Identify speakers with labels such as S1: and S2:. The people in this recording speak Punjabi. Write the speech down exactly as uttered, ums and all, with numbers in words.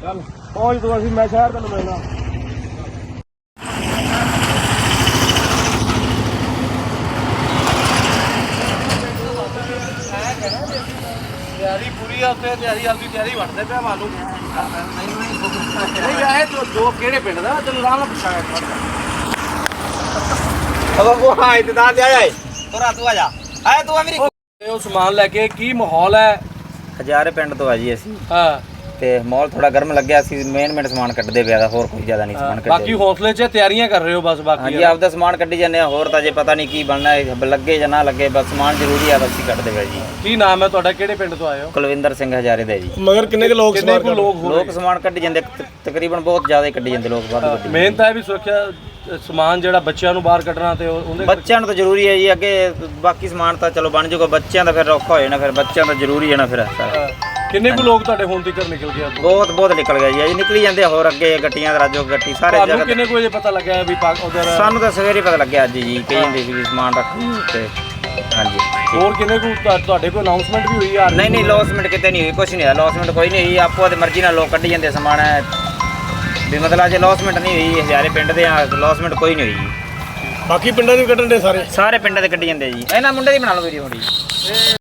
S1: ਚੱਲ ਪਹੁੰਚ ਤੂੰ, ਅਸੀਂ ਮੈਂ ਸ਼ਹਿਰ ਤੈਨੂੰ ਮਿਲਣਾ। ਤਿਆਰੀ ਪੂਰੀ ਆ ਉੱਥੇ, ਤਿਆਰੀ ਆਪਦੀ ਤਿਆਰੀ ਬਣਦੇ ਪਿਆ ਮਾਲੂ। ਨਹੀਂ ਆਏ ਤੂੰ ਦੋ ਕਿਹੜੇ ਪਿੰਡ ਦਾ ਤੈਨੂੰ ਆਰਾਮ ਨਾਲ ਪੁੱਛਾਂਗਾ।
S2: ਉਹ ਹਾਂ ਇੰਤਜ਼ਾਰ ਤੇ ਆਇਆ ਏ ਤੋਰਾ ਤੂੰ ਆ ਜਾ ਆਏ ਤੂੰ ਆ ਮੇਰੀ
S1: ਉਹ ਸਮਾਨ ਲੈ ਕੇ ਕੀ ਮਾਹੌਲ ਹੈ?
S2: ਹਜ਼ਾਰੇ ਪਿੰਡ ਤੋਂ ਆ ਜੀ ਅਸੀਂ
S1: ਹਾਂ
S2: ਤੇ ਮਾਹੌਲ ਥੋੜਾ ਗਰਮ ਲੱਗਿਆ ਸੀ। ਮੇਨ ਮੇਨ ਸਮਾਨ ਕੱਢਦੇ ਪਿਆ ਦਾ, ਹੋਰ ਕੋਈ ਜ਼ਿਆਦਾ ਨਹੀਂ ਸਮਾਨ ਕੱਢਦੇ।
S1: ਬਾਕੀ ਹੌਸਲੇ 'ਚ ਤਿਆਰੀਆਂ ਕਰ ਰਹੇ ਹੋ ਬਸ? ਬਾਕੀ
S2: ਹਾਂਜੀ ਆਪਦਾ ਸਮਾਨ ਕੱਢੀ ਜਾਂਦੇ ਆ, ਹੋਰ ਤਾਂ ਜੇ ਪਤਾ ਨਹੀਂ ਕੀ ਬਣਨਾ ਹੈ, ਲੱਗੇ ਜਾਂ ਨਾ ਲੱਗੇ, ਬਸ ਸਮਾਨ ਜ਼ਰੂਰੀ ਆ, ਬਸ ਹੀ ਕੱਢਦੇ ਪਿਆ ਜੀ।
S1: ਕੀ ਨਾਮ ਹੈ ਤੁਹਾਡਾ, ਕਿਹੜੇ ਪਿੰਡ ਤੋਂ ਆਏ ਹੋ?
S2: ਕੁਲਵਿੰਦਰ ਸਿੰਘ ਹਜ਼ਾਰੇ ਦਾ ਜੀ।
S1: ਮਗਰ ਕਿੰਨੇ ਕੁ ਲੋਕ ਕਿੰਨੇ ਕੁ ਲੋਕ ਹੋ
S2: ਲੋਕ ਸਮਾਨ ਕੱਢੀ ਜਾਂਦੇ, ਤਕਰੀਬਨ ਬਹੁਤ ਜ਼ਿਆਦਾ ਹੀ ਕੱਢੀ ਜਾਂਦੇ ਲੋਕ, ਵੱਧ ਕੱਢੀ
S1: ਮਿਹਨਤ ਹੈ ਵੀ ਸੁਰੱਖਿਆ ਸਮਾਨ ਜਿਹੜਾ ਬੱਚਿਆਂ ਨੂੰ ਬਾਹਰ ਕੱਢਣਾ ਤੇ ਉਹਦੇ
S2: ਬੱਚਿਆਂ ਨੂੰ ਤਾਂ ਜ਼ਰੂਰੀ ਹੈ ਜੀ। ਅੱਗੇ ਬਾਕੀ ਸਮਾਨ ਤਾਂ ਚਲੋ ਬਣ ਜਾਊਗਾ, ਬੱਚਿਆਂ ਦਾ ਫਿਰ ਔਖਾ ਹੋ ਜਾਣਾ, ਫਿਰ ਬੱਚਿਆਂ ਦਾ ਜ਼ਰੂਰੀ ਹੈ ਨਾ ਫਿਰ ਸਾਰਾ।
S1: ਕਿੰਨੇ ਕੁ ਲੋਕ ਤੁਹਾਡੇ ਹੁਣ ਤੱਕ ਨਿਕਲ ਗਏ?
S2: ਬਹੁਤ ਬਹੁਤ ਨਿਕਲ ਗਿਆ ਜੀ, ਅਜੇ ਨਿਕਲੀ ਜਾਂਦੇ ਹੋਰ ਅੱਗੇ ਗੱਟੀਆਂ ਦਾ ਰਾਜੋ ਗੱਟੀ ਸਾਰੇ
S1: ਤੁਹਾਨੂੰ
S2: ਜਗ੍ਹਾ।
S1: ਕਿੰਨੇ ਕੁ ਵਜੇ ਪਤਾ ਲੱਗਿਆ ਵੀ ਉਧਰ?
S2: ਸਾਨੂੰ ਤਾਂ ਸਵੇਰੇ ਪਤਾ ਲੱਗਿਆ ਅੱਜ ਜੀ, ਕਹੀ ਜਾਂਦੇ ਸੀ ਵੀ ਸਮਾਨ ਰੱਖ ਤੇ ਹਾਂਜੀ।
S1: ਹੋਰ ਕਿੰਨੇ ਕੁ ਤੁਹਾਡੇ ਕੋਲ ਅਨਾਉਂਸਮੈਂਟ ਵੀ ਹੋਈ ਆ?
S2: ਨਹੀਂ ਨਹੀਂ ਲੌਸਮੈਂਟ ਕਿਤੇ ਨਹੀਂ ਹੋਈ, ਕੁਛ ਨਹੀਂ ਹੋਇਆ, ਲੌਸਮੈਂਟ ਕੋਈ ਨਹੀਂ ਹੋਈ, ਆਪੋ ਦੀ ਮਰਜ਼ੀ ਨਾਲ ਲੋਕ ਕੱਢੀ ਜਾਂਦੇ ਸਮਾਨ ਹੈ ਵੀ, ਮਤਲਬ ਜੇ ਲੌਸਮੈਂਟ ਨਹੀਂ ਹੋਈ ਹਜ਼ਾਰੇ ਪਿੰਡ ਦੇ ਆ, ਲੌਸਮੈਂਟ ਕੋਈ ਨਹੀਂ ਹੋਈ ਜੀ।
S1: ਬਾਕੀ ਪਿੰਡਾਂ ਦੇ ਕੱਢਣ ਦੇ ਸਾਰੇ
S2: ਸਾਰੇ ਪਿੰਡਾਂ ਦੇ ਕੱਢੀ ਜਾਂਦੇ ਜੀ। ਇਹਨਾਂ ਮੁੰਡੇ ਦੀ ਬਣਾ ਲਓ ਵੀਡੀਓ ਥੋੜੀ।